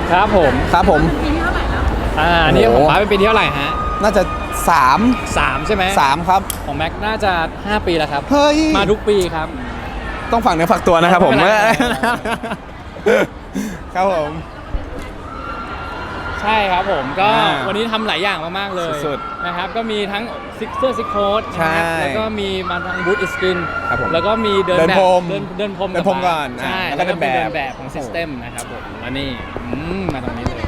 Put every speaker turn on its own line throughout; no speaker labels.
ครับผม
ปีที่เท่าไหร่แล้ว
นี่ของป้าเป็นปีที่เท่าไหร่ฮะ
น่าจะ
3ใช่ไหม
3ครับ
ของแม็กน่าจะ5 ปีแล้วครับ
เฮ้ย
มาทุกปีครับ
ต้องฝากเนื้อฝากตัวนะครับผมครับผม
ใช่ครับผมก็วันนี้ทำหลายอย่างมากๆเลย
สุด
นะครับก็มีทั้งเสื้อซิกโค้ดนะครับแล้วก็มีมาทางบูธอิสกินแล้วก็มีเดินแบบเดินพรม
ก่อน
ใช่แล้วก็เดินแบบของซิสเต็มนะครับผมแล้วนี่มาตรงนี้เลย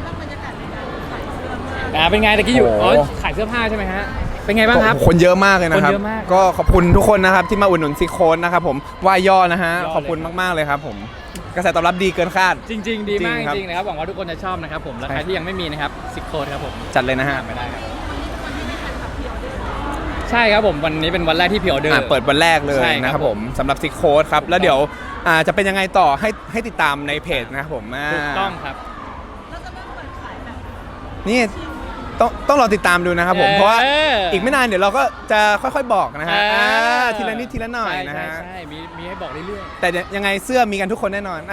เป็นไงตะกี้อยู่ขายเสื้อผ้าใช่ไหมฮะเป็นไงบ้างครับ
คนเยอะมากเลยนะครับก็ขอบคุณทุกคนนะครับที่มาอุดหนุนซิโคนนะครับผมว่าย่อนะฮะขอบคุณมากๆเลยครับผมกระแสตอบรับดีเกินคาด
จริงๆดีมากจริงๆนะครับหวังว่าทุกคนจะชอบนะครับผมและใครที่ยังไม่มีนะครับซิโคนครับผม
จัดเลยนะฮะ
ไม่ได้ครับใช่ครับผมวันนี้เป็นวันแรกที่พิออเดอร์
เปิดวันแรกเลยนะครับผมสำหรับซิโคนครับแล้วเดี๋ยวจะเป็นยังไงต่อให้ติดตามในเพจนะครับผม
ถูกต้องครับ
นี่ต้องรอติดตามดูนะครับผมเพราะว่าอีกไม่นานเดี๋ยวเราก็จะค่อยๆบอกนะฮะทีละนิดทีละหน่อยนะฮะ
ใช่มีให้บอกเรื่อย
ๆแต่ยังไงเสื้อมีกันทุกคนแน่นอน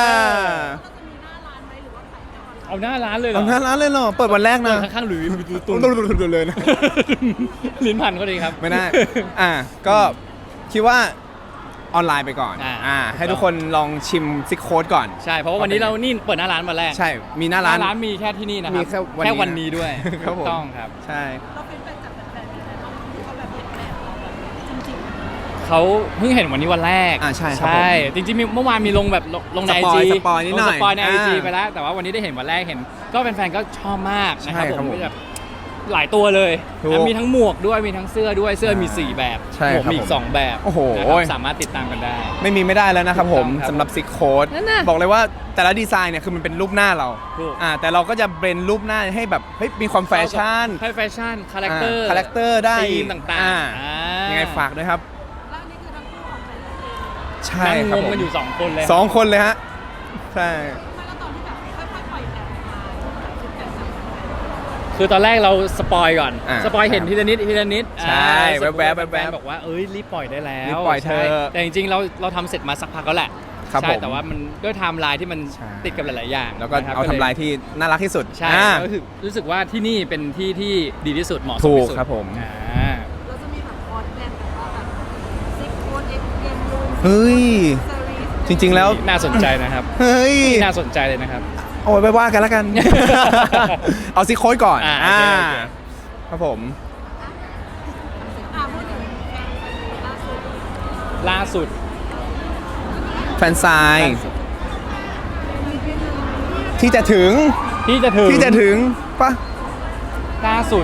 เอาหน้าร้านเลยเหรอ
เอาหน้าร้านเลยเหรอเปิดวันแรกนะ
ข้างๆหรือตุ้
นเลยนะ
ลิ้นพันก็ดีครับ
ไม่ได้ก็คิดว่าออนไลน์ไปก่อนให้ทุกคนลองชิมซิกโค้ดก่อน
ใช่เพราะว่าวันนี้เรานี่เปิดหน้าร้านวันแรก
ใช่มีหน้าร้าน
มีแค่ที่นี่นะครับแค่วันนี้ด้วยถูกต้องครับ
ใช่
เขาเพิ่งเห็นวันนี้วันแรก
ใช่
จริงๆเมื่อวานมีลงแบบลงใน IG
สปอยนิดหน่อย
สปอยใน IG ไปแล้วแต่ว่าวันนี้ได้เห็นวันแรกเห็นก็แฟนๆก็ชอบมากนะครับผมแบบหลายตัวเลยมีทั้งหมวกด้วยมีทั้งเสื้อด้วยเสื้อมี4แบบหมวกมีอีก2แบบ
โอ้โห
สามารถติดตามกันได้
ไม่ได้แล้วนะครับผมสำหรับซิกโค้ดบอกเลยว่าแต่ละดีไซน์เนี่ยคือมันเป็นรูปหน้าเราแต่เราก็จะเบรนรูปหน้าให้แบบมีความแฟชั่น
ให้แฟชั่นคาแรคเตอ
ร์ได้
ธีมต่าง
ๆยังไงฝากด้วยครับใช่
ครับผมกันอยู่2 คนเลย
2 คนเลยฮะใช่
คือตอนแรกเราสปอยก่อนสปอยเห็นทีละนิด
ใช่แวบ
บอกว่ารีบปล่อยได้แล้ว
รีบปล่อยเธอ
แต่จริงๆเราทำเสร็จมาสักพักแล้วแหละใช่แต่ว่ามันด้วยไทม์ไลน์ที่มันติดกับหลายๆอย่าง
แล้วก็เอาไทม์ไลน์ที่น่ารักที่สุด
ใช่รู้สึกว่าที่นี่เป็นที่ที่ดีที่สุดเหมาะสมที่สุด
ครับผม
เราจะมีแบบคอร์สแบรนด์แบบว่าแบบซิกโค้ดเอ็มยู
เฮ้ยจริงๆแล้ว
น่าสนใจนะครับ
เฮ้ย
น่าสนใจเลยนะครับ
เอาไปว่ากันแล้วกันเอาซิโค้ดก่อนครับผม
ล่าสุด
แฟนไซน์ที่จะถึงปะ
ล่าสุด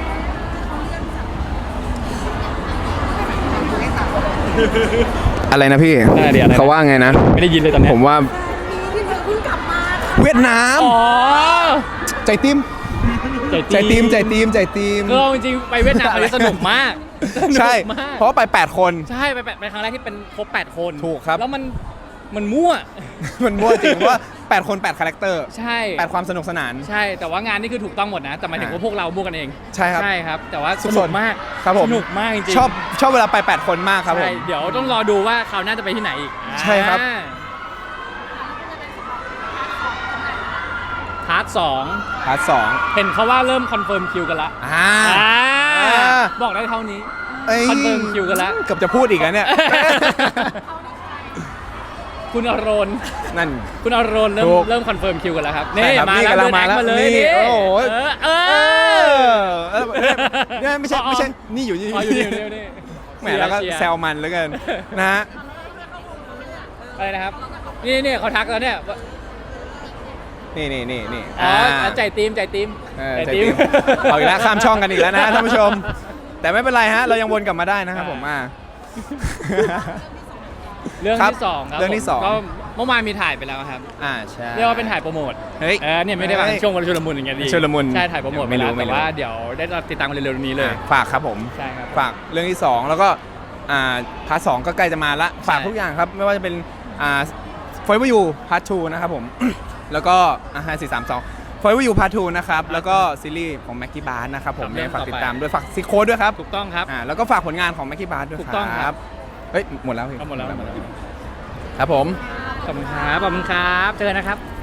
อะไรนะพี่เขาว่าไงนะ
ไม่ได้ยินเลยตอนนี้
ผมว่าเวียดนามใจติ้มก็จ
ริงๆไปเวียดนามอันนี้สนุกมาก
ใช่เพราะไป8 คน
ใช่ไปครั้งแรกที่เป็นครบ8 คน
ถูกครับ
แล้วมันมั่ว
จริงว่า8 คน8 คาแรคเตอร์
ใช่
8 ความสนุกสนาน
ใช่แต่ว่างานนี่คือถูกต้องหมดนะแต่หมายถึงว่าพวกเรามั่วกันเอง
ใช่
ครับแต่ว่าสนุกมาก
ครับผม
สนุกมากจริง
ชอบเวลาไป8 คนมากครับผม
เดี๋ยวต้องรอดูว่าเขาน่าจะไปที่ไหนอีก
ใช่ครับ
พาร์ท 2เห็นเขาว่าเริ่มคอนเฟิร์มคิวกันละบอกได้เท่านี้คอนเฟิร์มคิวกันละ
เกือบจะพูดอีกแล้วเนี่ย
คุณอรณ
นั่น
คุณอรณเริ่มคอนเฟิร์มคิวกันแล้วครับนี่มาแล้วเดินแอคมาเลยนี่
โอ้โหเนี่ยไม่ใช่นี่อยู่นี่แหมแล้วก็แซลมันเหลือเกินนะฮะ
อะไรนะครับนี่เขาทักแล้วเนี่ย
นี่
ใจตีม
เอาอีกแล้วข้ามช่องกันอีกแล้วนะท่านผู้ชมแต่ไม่เป็นไรฮะเรายังวนกลับมาได้นะครับผม
เรื่องที่2ครับก็เมื่อวานมีถ่ายไปแล้วครับ
ใช่
เรียกว่าเป็นถ่ายโปรโมทเนี่ยไม่ได้มาช่วงวันชุลมุนอย่างเงี้ยดี
ชุลมุน
ใช่ถ่ายโปรโมทไปแล้วแต่ว่าเดี๋ยวได้ติดตามกันเร็วๆนี้เลย
ฝากครับผม
ใช่ครับ
ฝากเรื่องที่2แล้วก็พาร์ท 2ก็ใกล้จะมาละฝากทุกอย่างครับไม่ว่าจะเป็นForever You Part 2นะครับผมแล้วก็5 4 3 2 Forever You Part 2นะครับแล้วก็ซีรีส์ของแม็กกี้บาร์นะครับผมฝากติดตามด้วยฝากซิโค้ดด้วยครับ
ถูกต้องครับ
แล้วก็ฝากผลงานของแม็กกี้บาร์ด้วยครับเฮ้ยหมดแล้วพี่
หมดแล้ว
ครับผม
ขอบคุณครับเจอนะครับ